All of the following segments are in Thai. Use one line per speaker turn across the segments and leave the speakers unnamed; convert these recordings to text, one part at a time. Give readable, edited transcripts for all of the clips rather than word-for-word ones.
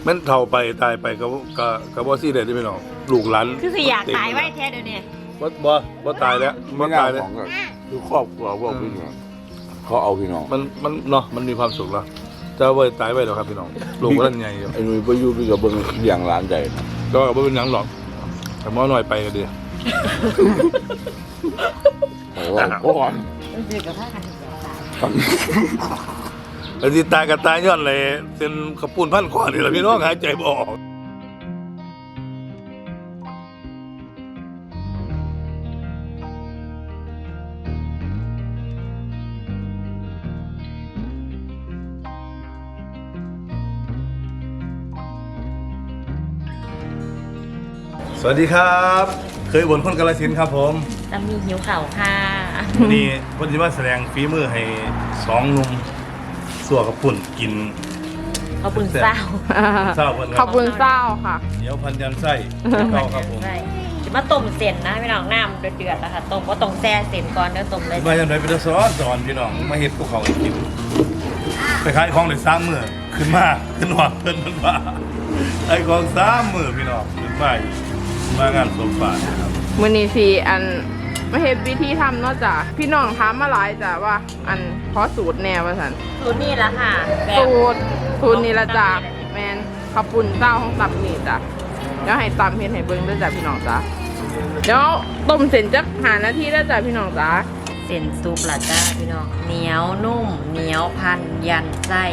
แม่นเฒ่าไปตายไปก็บ่ซี่ได้พี่น้องลูกหลาน
คือสิอยากตายไว้แท้เดี๋ยวนี้
บ่ตายแล้วบ่ตายแล้ว
คือครอบครัวพวกพี่น้องเขาเอาพี่น้อง
มันเนาะมันมีความสุขแล้วจะบ่ตายไว้หรอกครับพี่น้องลูกมันใหญ่อยู่
ไอ้หนุ่ยไปอยู่พี่กับเบิ่งเลี้ยงหลานใจ
ก็บ่เป็นหยังหรอกแต่หมอหน่อยไปก็ดี
โอ้โห
ต้องเจอกับพากัน
แล้วที่ตายกับตายย้อนเลยเป็นขปุ่นพันคอนี่แหละพี่น้องหายใจบ่ออกสวัสดีครับเคยบ่นคนกาฬสินธุ์ครับผม
จะมีหิวเข่าค่ะ
วันนี้วันที่มาแสดงฝีมือให้2 หนุ่มสัวกับปุ่นกิน
ขอบคุณเศร้า
ข
อบคุณเศร้าค่ะ
เดี๋ยวพันยันไส้เข้าครับผม
จะมาต้มเส้นนะพี่น้องน้ำเดือดๆนะคะต้มก็ต้องแช่เส้นก่อนเดี๋ยวต้มเลย
มาอย่างไรเป็นสอนพี่น้องมาเฮ็ดพวกเขากินไปขายของได้3 มื้อขึ้นหอดเพิ่นมันว่าไอ้ของ3 มื้อพี่น้องขึ้นมางานสมบัติครับ
มื้อนี้สิอันมาเฮ็ดวิธีทำเนาะจ้ะพี่น้องถามมาหลายจ้ะว่าอันขอสูตรแนวว่าซั่น
สูตรนี่ละค่ะ
สูตรนี่ละจ้ะแม่นข้าวปุ้นเต้าของตับนี่จ้ะเดี๋ยวให้ตำเฮ็ดให้เบิ่งด้วยจ้ะพี่น้องจ้ะเดี๋ยวต้มเสร็จจัก5 นาทีแล้วจ้ะพี่น้องจ้ะ
เส้นซุปละจ้าพี่น้องเหนียวนุ่มเหนียวพันยันไส้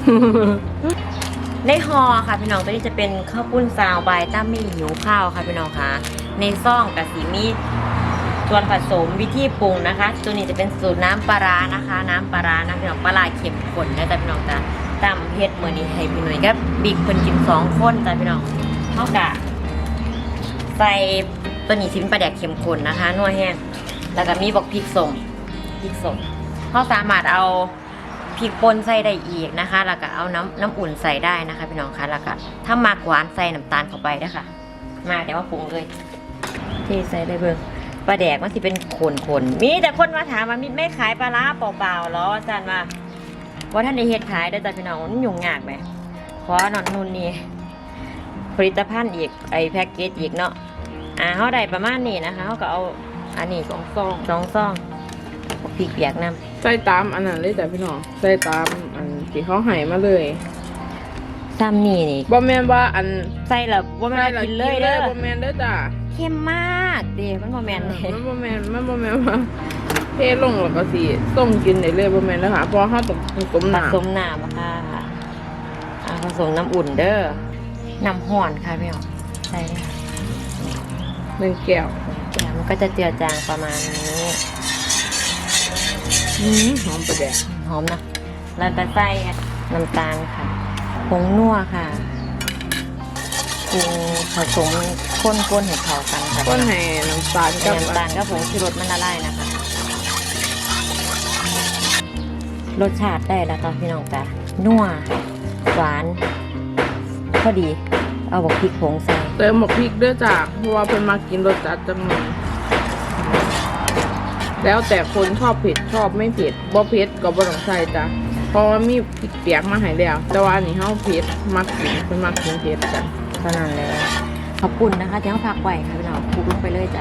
ในห่อค่ะพี่น้องตัวนี้จะเป็นข้าวปุ้นซาวใบตั้มมี่หิวข้าวค่ะพี่น้องค่ะในซ่องกับสีมีส่วนผสมวิธีปรุงนะคะตัวนี้จะเป็นสูตรน้ำปลานะคะน้ำปลานะพี่น้องปลาเค็มข้นนะจ๊ะพี่น้องจ้ะตำเผ็ดเหมือนนี้ให้พี่หน่อยกับบิ๊กเพิ่นกิน2 คนจ้ะพี่น้องเท่ากับใส่ตัวนี้ชิ้นปลาแดกเค็มข้นนะคะนัวแห้งแล้วก็มีบอกพริกสดเขาสามารถเอาพริกป่นใส่ได้อีกนะคะแล้วก็เอาน้ำอุ่นใส่ได้นะคะพี่น้องคะแล้วก็ถ้ามากหวานใส่น้ำตาลเข้าไปนะคะมาเดี๋ยวมาปรุงเลยที่ใส่ได้เบิ่งปลาแดกมันสิเป็นขนมีแต่คนมาถามว่ามีไม่ขายปลาร้าเปล่าๆหรออาจารย์ว่าท่านได้เฮ็ดขายได้แต่พี่น้องมันยุ่งยากไหมขอนอนนุ่นนี่ผลิตภัณฑ์อีกไอแพ็กเกจอีกเนาะเขาได้ประมาณนี้นะคะเขาก็เอาอันนี้2 ซองพริกเปียกน้ำ
ใส่ตามอันนั้นเลยจ้ะพี่น้องใส่ตามอันที่เขาให้มาเลย
ซ้ำนี่
บ่แม่นว่าอัน
ใส่แล้วบ่แม่นกินเลยเด้อ
บ่แม่นเด้อจ้ะ
เค็มมากเด้มันบ่แม่นเลย
มันบ่แม่นว่าเทลงแล้วก็สิต้มกินได้เลยบ่แม่นเด้อค่ะเพราะเฮาต้องผสมน้
ำค่ะผสมน้ำอุ่นเด้อน้ำร้อนค่ะพี่น้องใส่เลยค่ะ
1 แก้ว
มันก็จะเจือจางประมาณนี้
หอมประแดก
หอมนะแล้วก็ใส่น้ำตาลค่ะผงนัวค่ะปรุงผสมข้นให้เข้ากันค่ะ
ข้นให้น้ำตาล
กับผงชูรสมันละลายนะคะรสชาติได้แล้วตอนพี่น้องจ้ะนัวหวานพอดีเอาบอกพริกผงใส่
เติมหมกพริกด้วยจ้ะเพราะว่าเพิ่นมากินรสจัดจังเลยแล้วแต่คนชอบเผ็ดชอบไม่เผ็ดบ่เผ็ดก็บ่ต้องใส่จ้ะเพราะว่ามีพริกเปียกมาให้แล้วแต่ว่าอันนี้เฮาเผ็ดมักกินเพิ่นมักกินเผ็ดจ้ะ
เท่านั้นเลยขอบคุณนะคะที่เขาพักไว้ค่ะพี่น้องคลุกลงไปเลยจ้ะ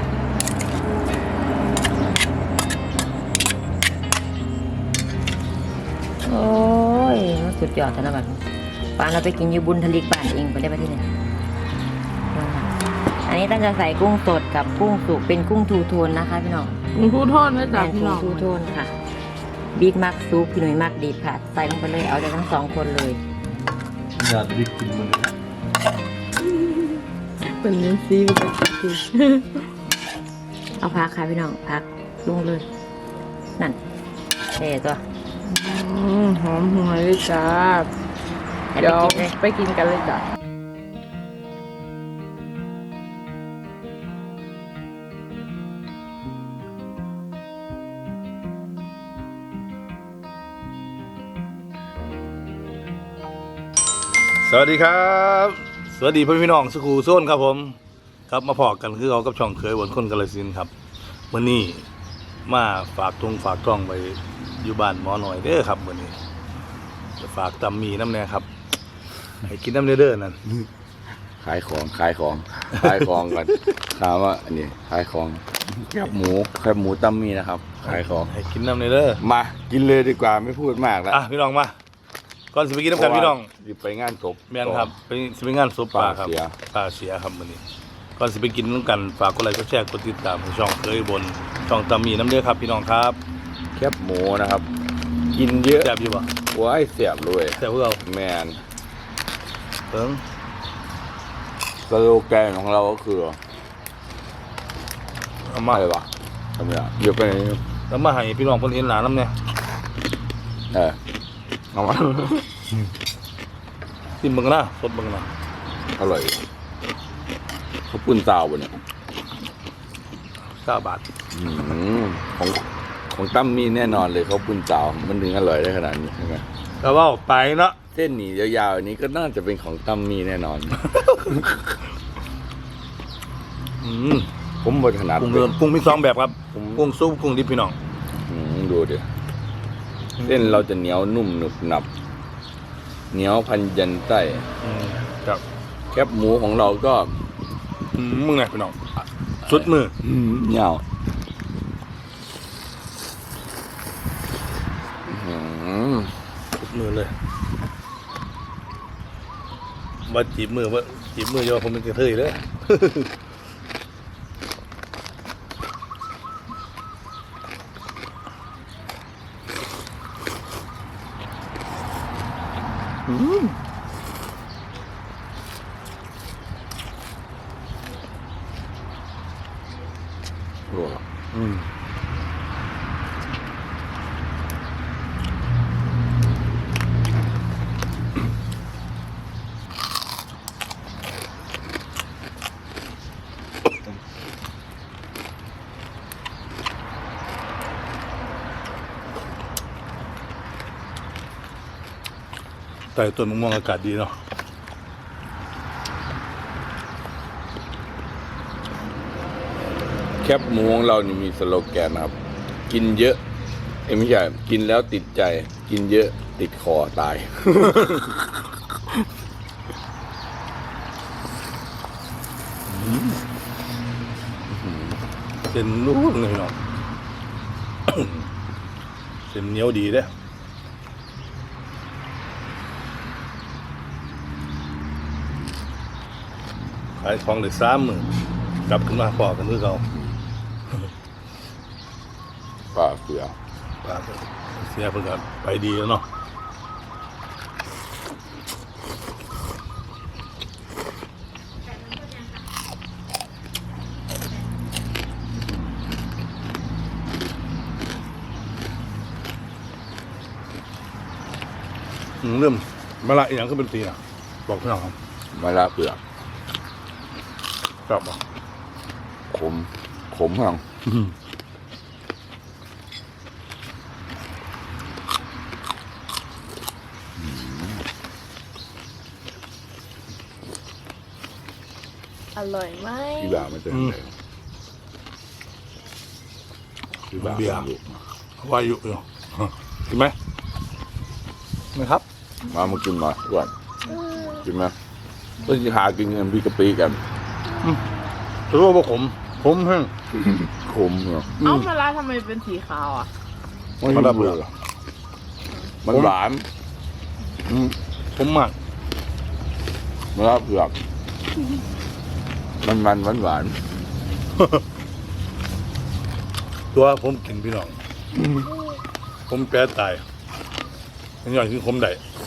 โอ้ยมันสุดยอดแต่ละแบบปานเราไปกินยูบุญทะเลบ้านเองไปได้ประเทศไหนอันนี้ตั้งจะใส่กุ้งสดกับกุ้งสุกเป็นกุ้งทูโทนนะคะพี่น้อง
กุ้งทูโทนนะจ๊ะพี่น้อง
ทูโทนค่ะบิ๊กมักซุปพี่หนุ่ยมักดีค่ะใส่ลงไปเลยเอาได้ทั้ง2 คนเลย
อยากบิ๊กกินมัน
เป็นนี้ซีไปกิน
เอาพักค่ะพี่น้องพักลงเลยนั่นเท่ตัว
หอมหวยเลยจ้าเดี๋ยวไปกินกันเลยจ้ะ
สวัสดีครับสวัสดีพี่น้องสกูโซนครับผมครับมาพอกันคือเรากับช่องเคยบ่นคนกาฬสินธุ์ครับวันนี้มาฝากท้องไปอยู่บ้านหมอหน่อยเด้อครับวันนี้จะฝากตำมีน้ำแน่ครับให้กินน้ำเด้อนั่น
ขายของกันถามว่าอันนี้ขายของแคบหมูตั้มมี่นะครับขายของ
ให้กินน้ำเด้อ
มากินเลยดีกว่าไม่พูดมากแล้ว
อ่ะพี่น้องมาก่อนสิไปกินน้ำกันพี่น้อง
หยิบไปงานศพ
แม่นครับไปงานศพป่าครับ
ป่าเสีย
ป่าเสียครับมื้อนี้ก่อนสิไปกินน้ำกันฝากกดไลค์กดแชร์กดติดตามช่องเคยบนช่องตามีน้ำเด้อครับพี่น้องครับ
แคบหมูนะครับ กินเยอะ
แซ่บอยู่บ่
ว้ายเสียบเลย
แซ่บพวกเรา
แมน
เพิ่ง
สโลแกนของเราก็คือ
เอามา
อะไรวะทำไมอ่ะเดี๋ยวไปไหน
แล้วมาให้พี่น้องเพิ่นเห็นหลานน้ำเนี่ย
เอามา
กินเบิ่งนะสดเบิ่งนะ
อร่อยเขาวปุ้นซาวบะเนี่ย
9 บาท
อืมของตั้มมีแน่นอนเลยเขาวปุ้นซาวมันถึงอร่อยได้ขนาดนี้ใช่ไหม
ก็เว้าไปเนาะ
เส้นหมี่ยาวๆอันนี้ก็น่าจะเป็นของตั้มมีแน่นอน ผมบริถนัด
กุ้งมี2แบบครับ
ผม
กุ้งซุปกุ้งดิบพี่น้อง
ดูดิเส้นเราจะเหนียวนุ่มหนึบหนับเหนียวพันยันไส้
ครับ
แคบหมูของเราก็
มึงไงพี่น้องสุดมือ
เหนียว
สุดมือเลยว่าจีบมือโยผมเป็นกระเทยเลย
รัว
แต่ต้นมะม่วงอากาศดีเนาะ
แคบหมูของเรานี่มีสโลแกนนะครับ กินเยอะไม่ใช่กินแล้วติดใจ กินเยอะติดคอตาย
เส้นนุ่มเลยพี่น้อง เส้นเหนียวดีเด้อขายของเลย30,000กลับขึ้นมาพอกันคือเก่า
ป่าเสือ
ป่าเสียเพิ่นก็ไปดีแล้วเนาะเริ่มมาละอีกอย่างก็เป็นตีนะบอกพี่น้องครับ
มะระเปลือก
กลับมา
ขมห้อง
อร่อยไหม
พี่บ่าวมันจะเป็นไงพี่บ่าวเป็นลูก
วายุอยู่ กินไหมไม่ครับ
มากินหน่อยก่อนกินไหมก็จะหากินเงินพี่กะปิกัน
รู้ว่าผมแห้ง
ขมเนาะ
เอ้ามะระทำไมเป็นสีขาวอ่ะ
มะระเปลือกมันหวาน
ผมมาก
มะระเปลือกมันหวาน
ตัวผมกินพี่น้อง ผมแปรตายอันนี้คือผมได้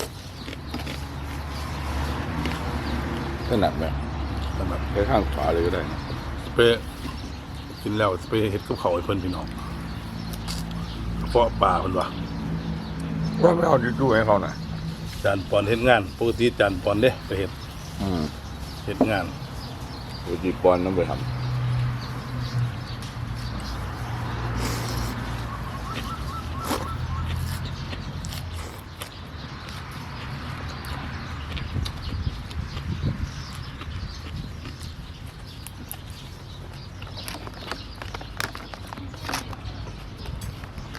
ถนัดไหม
นะครับ
ใช้ข้างขวาเลยก็ได้นะ
ไปกินแล้วไปเฮ็ดกับเขาวให้เพิ่นพี่น้องเพราะป่าเพิ่นว่า
ว่าไม่เอาดูให้เขาหน่อย
จานปอนเฮ็ดงานปกติจานปอนเด้ไปเฮ็ดงาน
อุจิปอนต้อง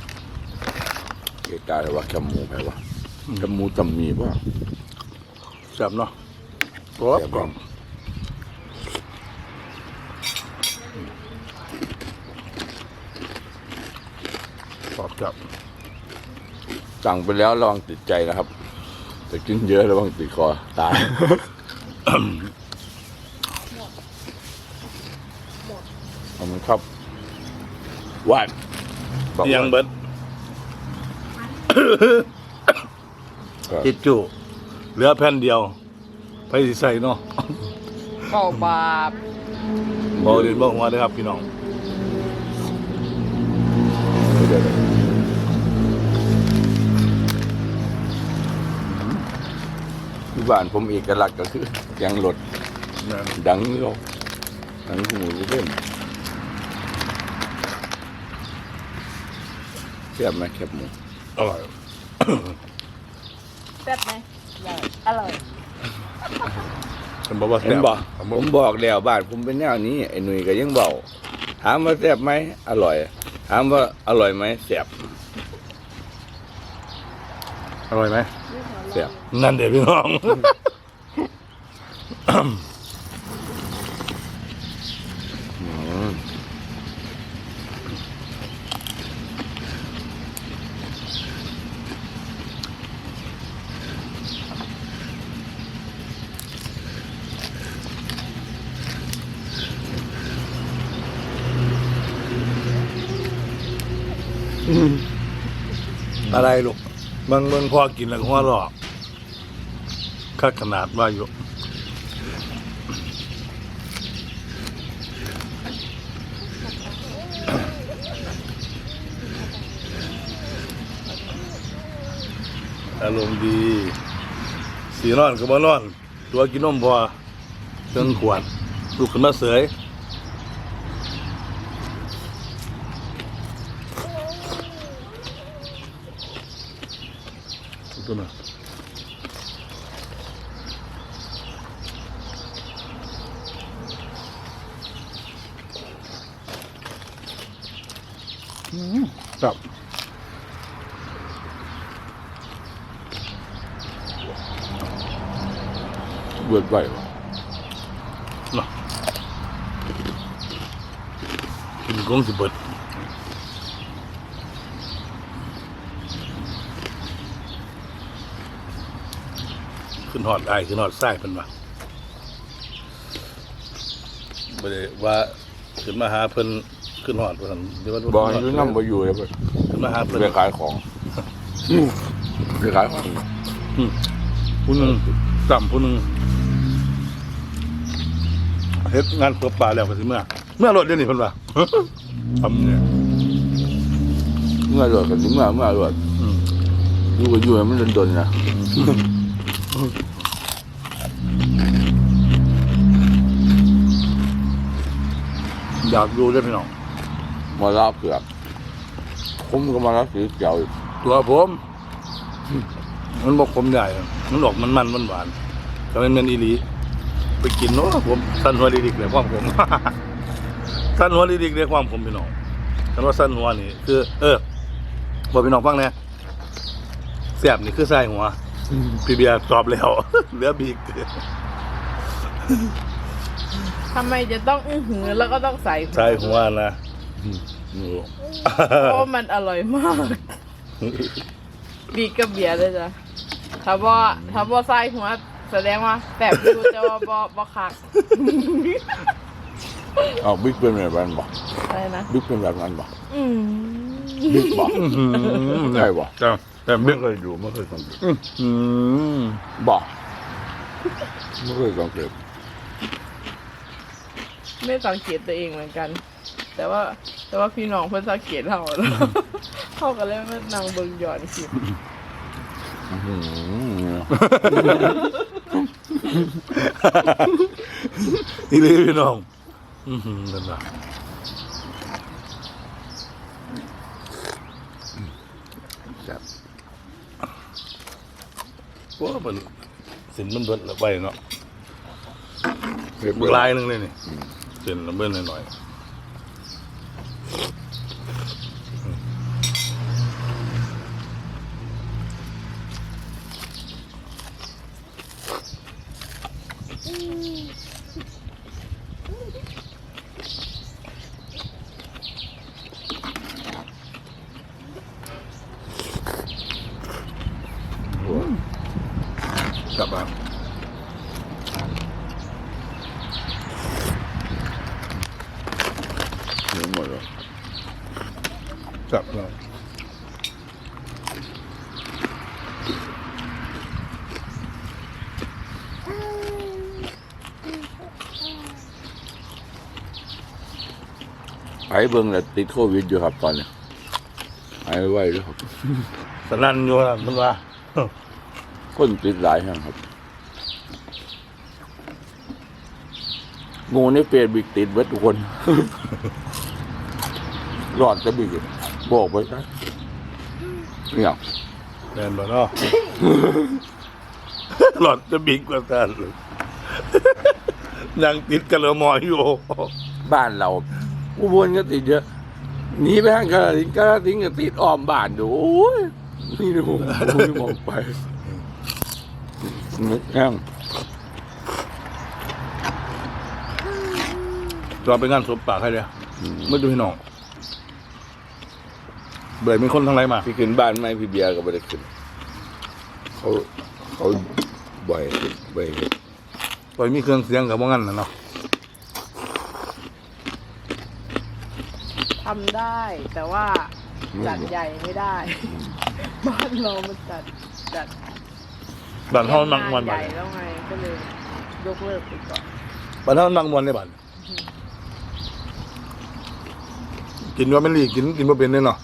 ไปทำเกกาเลยว่าแคบหมูไปวะแคบหมูจำมีป่ะ
แซ่บเนาะกรอบกรอบกรอบจับ
สั่งไปแล้วระวังติดใจนะครับแต่กินเยอะระวังติดคอตายขอบคุณครับหวานบอกว่า
ยังเบิด
ครับ
จิจุเหลือแผ่นเดียวไปสิใส่เนาะ
เข้าบาป
บอกเด่นบอกหัวเลยครับพี่น้อง
เดี๋ยวที่บ้านผมเอกลักษณ์ก็คือยังหลด
นะ
ดังโลกดังหูเล่นเทียบไหมแคบหมู
อร่อย
แซ่บไหมอร่อย
ฉันบอกว่า
เห็นบ่ผมบอกแล้วบ้านผมเป็นแนวนี้ไอ้หนุ่ยก็ยังบอกถามว่าแซ่บไหมอร่อย ถามว่าอร่อยไหมแซ่บ
อร่อยไหม
แซ่บ
นั่นเดี๋ยวพี่น้อง
อืม
อะไรลูกเบิ่งพ่อกินแล้วก็หัวเราะคักขนาดว่าอยู่อารมณ์ดีสีนอนก็บ่นอน ตัวกินนมพอเติงขวดลูกขึ้นมาเสยตัวน่ะครับ
เบิดไหววะ
เนาะกินกงสิเบิดขึ้นหอดไอ้ขึ้นหอดไส้เป็นว่าบ่ได้ว่าขึ้นมาหาเพิ่นขึ้นหอดเพิ่นเดี๋ยวว่า
บอกให้อยู่น้ำบ่อยู่เลยเบิด
ขึ้นมาหาเพิ่น
ไปขายของไปขายของ
ผู้หนึงต่ำผู้หนึงเฮ็ดงานเปิดป่าแล้วก็สิเมื่อรถเดี๋ยวนี้เพิ่นว่า ทำเนี่ย
เมื่อรวดกันถึงเมื่อรวด
อืม
อยู่ก็อยู่ให้มันดนๆนะ
อยากดูด้วยพี่น้อง
มาลาเผือกผมก็มาลาสีเขียวอีก
ตัวผม มันบอกผมใหญ่มันออกมันหวานๆก็เป็นเมนอีหลีไปกินเนาะผมสั้นหัวดิกๆเลยความผม สั้นหัวดิกๆเลยความผมพี่น้องฉันว่าสั้นหัวนี่คือ บอกพี่น้องฟังนะแซ่บนี่คือไส้หัวพี่เบียร์ตอบแล้ว เหลือบีก
ทำไมจะต้องอื้อหือแล้วก็ต้องใส่
ไส้หัวนะ
นี่
เพราะมันอร่อยมาก บีกกับเบียร์เลยจ้ะถ้าบ่ใส่หัวแสดงว่าแบบอยู่แต่ว่าบ่คัก
เอาบิ๊กเป็นแบบนั้นบ่
อะไรนะ
บิ๊กเป็นแบบนั้นบ่
อืม
บิ๊กบ่ ใช่บ่
จ้าแต่
ไม่
บิ๊ก
เคยดูไม่เคยสังเกต
อืม
บ่ไม่เคยสังเกต
ไม่สังเกตตัวเองเหมือนกัน แต่ว่าพี่น้องเพิ่นสังเกตเราแล้ว เขาก็เลยมานั่งเบิ่งย้อนคลิป
อื้อหือ
อีหลีพี่น้องนั่นน่ะครับว่ามันสินมันเบิดละไปเนาะ
เรียบ
บึก
ร้อ
ลาย ยหนึงเลยนี่สินมันเบิดหน่อยกลับมา
หมดเลย
กลับมา
ไอ้เบิ้งแล้วติดโควิดอยู่ครับตอนนี้ไอ้ไว้ด้วยครับ
สนั่นอยู่ครับมันว่า
คนติดหลายแห่งครับงูในเฟซบิ๊กติดเบิดทุกคน รอดจะบิ๊กบอกไปซะเนี่ย
แมนบ่เนาะ หลอดจะบิ๊กกว่ากันเลย ยังติดกันเลยมอยอยู่
บ้านเราอุบลก็ติดเยอะหนีไปทางกาฬสินธุ์ก็ติดอ้อมบ้านดูโอ้ยนี่ดูผมมองไปนึกแห้ง
เราไปงานศพปากให้เลยไม่ดูให้น้องเบื่อมีคนทั้งไรมา
พี่ขึ้นบ้านไม่พี่เบียร์ก็ไม่ได้ขึ้นเขาบ่อย
ปล่อยมีเครื่องเสียงกับว่างั้นนะเนาะ
ทำได้แต่ว่าจัดใหญ่ไม่ได้ บ้านเรามันจัด
บ้านเฮามักมวน
ให
บ้า
ญ่
น
แล้วไงก็เลยยกเลิกไปก่อน
บ้านเฮามักมวนในบ้านกินว่าไม่รีกินว่าเป็นเนี่ยเนาะ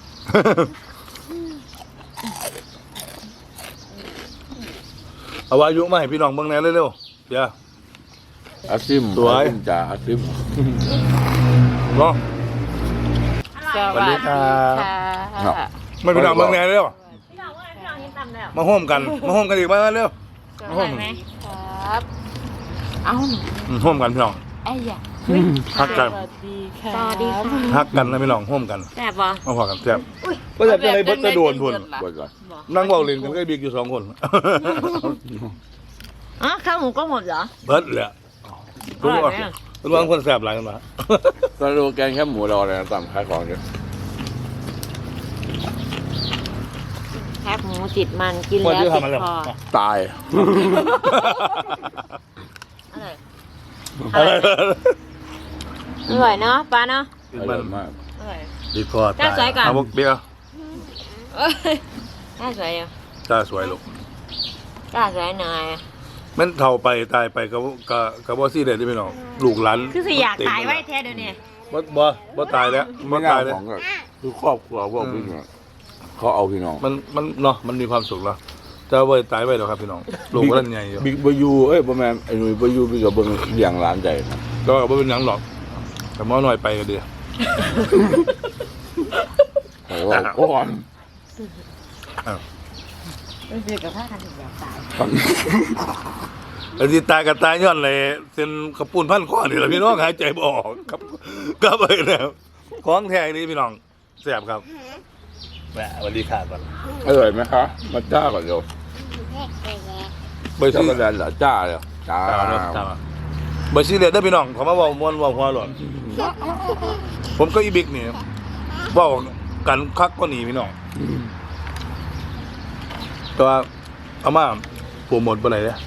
เอาวายุมาให้พี่น้องเบิ่งแหน่เร็วๆเดี๋ยว
อาซิม
สวย
อาซิมจ่าอาซิม
เนาะ
ส
วัสดีครับ
ครับ
ไม่พี่น้องเบิ่งแหน่เร็ว
พี่น้องว่าพี่น้องเห็นตำแล้ว
มาโฮมกันอีกมาเร็ว
อร่อยไหม
ครับเอ้า
โฮมกันพี่น้อง
ไอ้ยะ
ฮักกัน
สวัสดีค่ะ
สวัสดีค่ะ
ฮักกันนะพี่น้องโฮมกัน
แซ่บบ่
มาพอกันแซ่บก็จะอะไรเบิดจะโดนพุ่น
ไว้ก่อน
นั่งเว้าเล่นกันก็บิ๊กอยู่2 คน
อ๋อข้าวหมูก็หมดเหรอ
เบิดแหละ
อร่อยไหม
ทุกคนคนแซ่บหลายกันมา
สโลแกนแค่หมูรอเลยนะตามขายของเนี่ย
แคบหมูติดมันกินแล้วติดคอ
ตาย
อร่อยอร่อยเนาะปลาเนาะ
อร่อยมาก
อร่อย
ดีคอ
จ้าสวยก่อน
เอาเบี้ย
เอ้ยน่าสวยอยู่
จ้าสวยลูก
น่าสวยหน่อย
แม่นเท่าไปตายไปกับบ่ซี่ได้ที่พี่น้องลูกหลาน
คือสิอยากตายไว้แท้เดี๋ยวนี้
บ่ตายแล้วบ่
ไม่น่า
ตายแล้ว
ของก็คือครอบครัวพวกพี่น้องเขาเอาพี่น้อง
มันเนาะมันมีความสุขแล้วแต่ว่าตายไว้แล้วครับพี่น้องลูกก็นั่นใหญ่อยู่
บิ๊กบายูเอ้ยประมาณไอ้หนุ่ยบายูบิ๊กกับเบิ้งเลี้ยงร้านใจครับ
ก็บ่เป็นหยังหรอกแต่หมอหน่อยไปก็ดี
แต่ว่าก่อน
รู้สึกกับผ้ากันถึงอยากตาย
ไอ้ที่ตายก็ตายย้อนเลยเส้นกระปุนพันข้อนี่แหละพี่น้องหายใจบ่ออกครับก็ไปแล้วของแท้นี่พี่น้องแซ่บครับแหมสวัสดีค่ะก่อน
อร่อยไหมคะมาจ้าก่อนเดี๋ยว
ใบ
ช็อก
ซี
โกแลตเหรอจ้าเลยจ้า
ใบซีเลยได้อพี่น้องเขามาเว้าม่วนเว้าหัวหลอนผมก็อีบิ๊กนี่เว้ากันคักก็หนีพี่น้องแต่ว่าเอามาโปรโมทบ่ได้เด้อ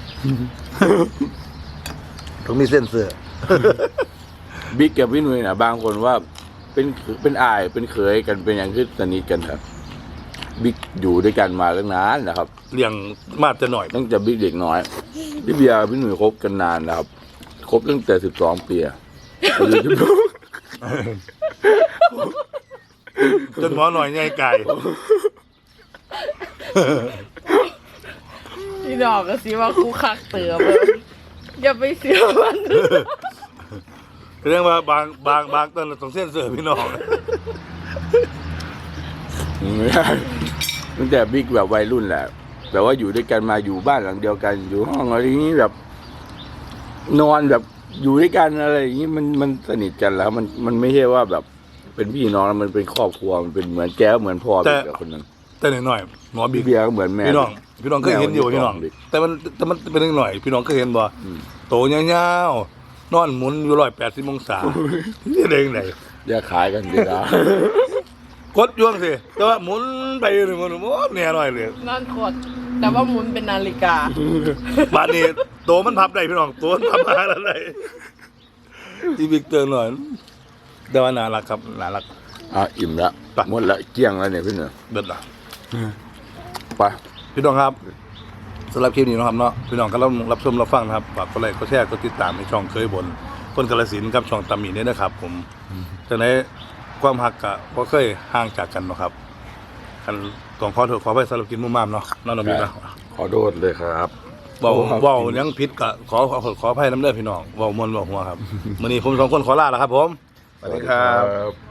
ต้องมีเส้นเสื้อ
บิ๊กกับพี่หนุ่ยนะบางคนว่าเป็นอายเป็นเขยกันเป็นอย่างที่สนิทกันครับบิ๊กอยู่ด้วยกันมาตั้งนานนะครับ
เลี้ยงมาจะหน่อย
ตั้งแต่บิ๊กเด็กน้อยพี่เบียร์พี่หนุ่ยคบกันนานนะครับคบตั้งแต่12 ปีอะ
จนหมอหน่อยใหญ่ไก่
พี่ดอกก็สิว่าคู่คักเตือเบออย่าไปเสียมัน
เรื่องว่าบางต้นต้องเส้นเสื้อพี่น้อง
ไม่ได้ตั้งแต่บิ๊กแบบวัยรุ่นแหละแต่ว่าอยู่ด้วยกันมาอยู่บ้านหลังเดียวกันอยู่ห้องอะไรอย่างนี้แบบ นอนแบบอยู่ด้วยกันอะไรอย่างนี้มันสนิทกันแล้ว มันไม่ใช่ว่าแบบเป็นพี่น้องแล้วมันเป็นครอบครัวมันเป็นเหมือนแก้วเหมือนพ่อบิ๊กกับคนนั้น
แต่หน่อยๆหมอบิ๊ก
เบียร์ก็เหมือนแม่
พี่น้องเคยเห็นอยู่พี่น้อง แต่มันเป็นหน่อยพี่น้องเคยเห็นบ่โตยาวๆนอนหมุนอยู่180องศานี่เด้งไหน
อย่าขายกันดีนะ
กดยวงสิแต่ว่าหมุนไปหนึ่งมันโอ้เนี่ยหน่อยเลย
นั่นขดแต่ว่าหมุนเป็นนาฬิกา
บาดนี้โตมันพับได้พี่น้องโตมันพับมาอะไรที่บิ๊กเตือนหน่อยแต่ว่าน่ารักครับน่ารัก
อิ่มแล้วหมดละเกลี้ยงแล้วเนี่ยพี่เหนือ
เด็ดละ
ไป
พี่น้องครับสำหรับคลิปนี้นะครับเนาะพี่น้องก็รับชมรับฟังนะครับฝากกดไลค์กดแชร์กดติดตามในช่องเคยบนคนกาฬสินธุ์กับช่องตามีเนี่ยนะครับ ผมจากนั้นความหักกะก็เคยห่างจากกันเนาะครับคันต้องขอโทษขอไปสำหรับกินมุมมามเนาะน้องน้องมีนะ
ขอโทษเลยครับ
เว้ายังผิดกะขออภัยน้ำเด้อพี่น้องเว้ามวนเว้าหัวครับมื้อนี้ผมสองคนขอลาแล้วครับผมสวัสดีครับ